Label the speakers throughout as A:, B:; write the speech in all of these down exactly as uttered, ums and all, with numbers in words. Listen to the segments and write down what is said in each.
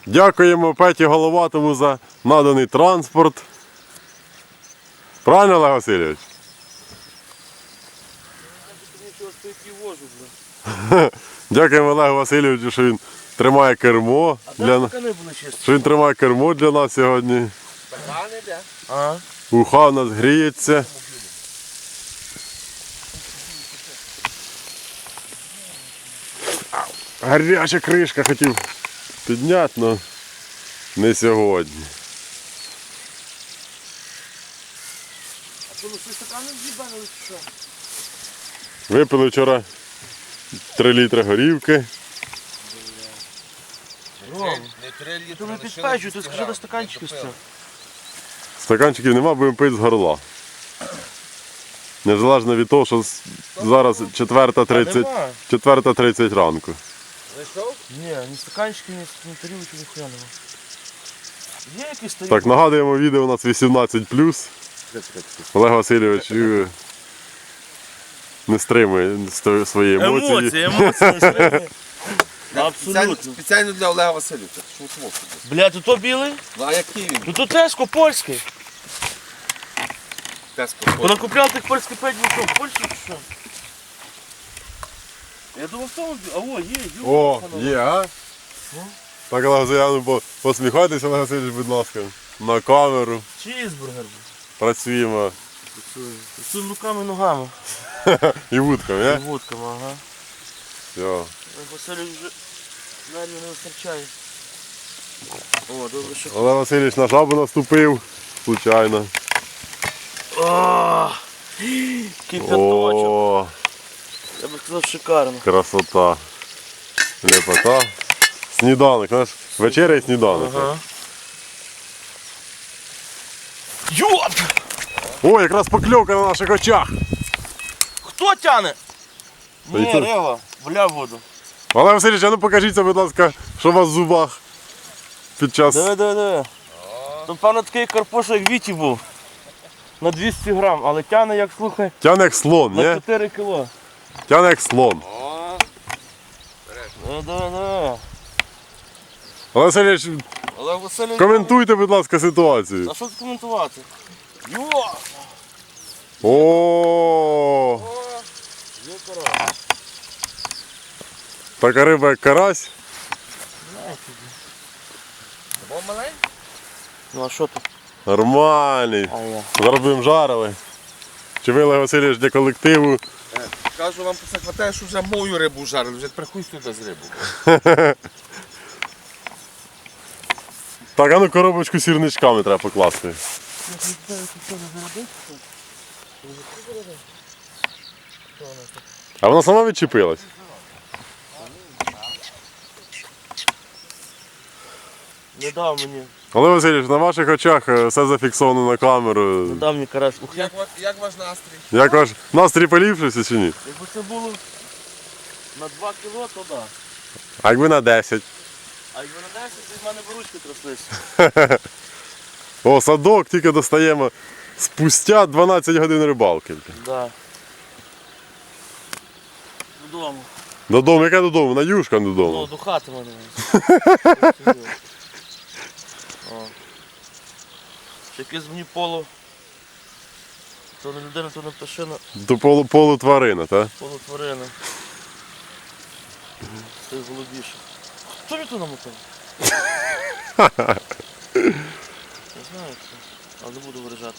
A: Дякуємо Петі Головатому за наданий транспорт. Правильно, Олег Васильович? Дякуємо Олегу Васильовичу, що він тримає кермо. Для... Що він тримає кермо для нас сьогодні.
B: Ага.
A: Уха у нас гріється. Гаряча кришка хотів підняти, але не сьогодні.
B: А що, ну всі стакани з'їбали чи що?
A: Випили вчора три літри горівки.
B: Не три літри. Ти не підпечуй, ти скажи до стаканчиків з цього.
A: Стаканчиків нема, будемо пити з горла. Незалежно від того, що зараз четверта тридцять ранку.
B: Зайшов? Ні, ні стаканчиків, ні тарілки, ніхуя нема. Є якісь тарілки?
A: Так, нагадуємо, відео у нас вісімнадцять плюс. Олег Васильович не стримує свої емоції.
B: Емоції, емоції не стримує. Абсолютно.
C: Спеціально для Олега Васильовича.
B: Бля, тут то білий?
C: Ну а який він?
B: Ну то Теско польський.
C: Теско.
B: Вона купляла тих польських п'ять бутов. Польщі чи що? Я думав, в тому... А о, є, є.
A: О, є, а? Так, Олег Васильович, посміхайтеся, Олег Васильович, будь ласка, на камеру.
B: Чізбургер.
A: Працюємо.
B: Працюємо руками і ногами.
A: І вудками, не?
B: І вудками, ага.
A: Все.
B: Василь вже нервів не вистачає. О, добре, що...
A: Олег Васильович на жабу наступив, случайно.
B: О, кипяточок.
A: О,
B: Я би сказав, шикарно.
A: красота. Лепота. Сніданок, знаєш, вечеря і сніданок.
B: Ага. Йоп!
A: О, якраз покльовка на наших очах.
B: Хто тяне?
A: Та
B: Ні,
A: й це-
B: Рева, бля воду.
A: Олег Васильович, а ну покажіться, будь ласка, що у вас в зубах під час...
B: Диви, диви, диви. Тут, певно, такий карпуш, як Віті був. На двісті грам, але тяне, як, слухай,
A: Тяне як слон,
B: на
A: ні?
B: чотири кіло.
A: Тяне як слон.
B: Диви, диви, диви.
A: Олег Васильович,
C: Олег Васильович.
A: коментуйте, будь ласка, ситуацію.
B: А що тут коментувати? Йо!
A: О,
B: Є карась.
A: така риба, як карась.
C: Бо маленький?
B: Ну а що тут?
A: Нормальний.
B: А я.
A: Зараз будемо жарили. Чи ви, Олег Васильович, для колективу?
C: Кажу, вам це хватає, що вже мою рибу жарили, вже приходь сюди з рибу.
A: Так, а ну коробочку з сірничками треба покласти. А вона сама відчепилась?
B: Не дав мені.
A: Олег Васильович, на ваших очах е, все зафіксовано на камеру.
B: Не дав мені карась. Ух,
C: Як, ва- як ваш настрій?
A: Як ваш настрій поліпшився чи ні?
B: Якби це було на два кіло, то да.
A: А якби на десять?
B: А якби на десять, то в мене б ручки тряслися.
A: О, садок тільки достаємо спустя дванадцять годин рибалки.
B: Да. Додому.
A: Додому, яке додому? На юшка
B: Ну,
A: додому.
B: до хати мене. О. Ще якесь мені поло. То не людина, то не пташина,
A: До полу, полутварина, так?
B: полутворина. Це голубіше. Хто мені тут намотав? Не знаю хто, але не буду виражатися.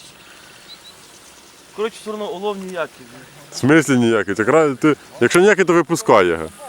B: Коротше, все одно улов ніякий.
A: В смислі ніякий. Ти, кра- ти, якщо ніякий, то випускай його.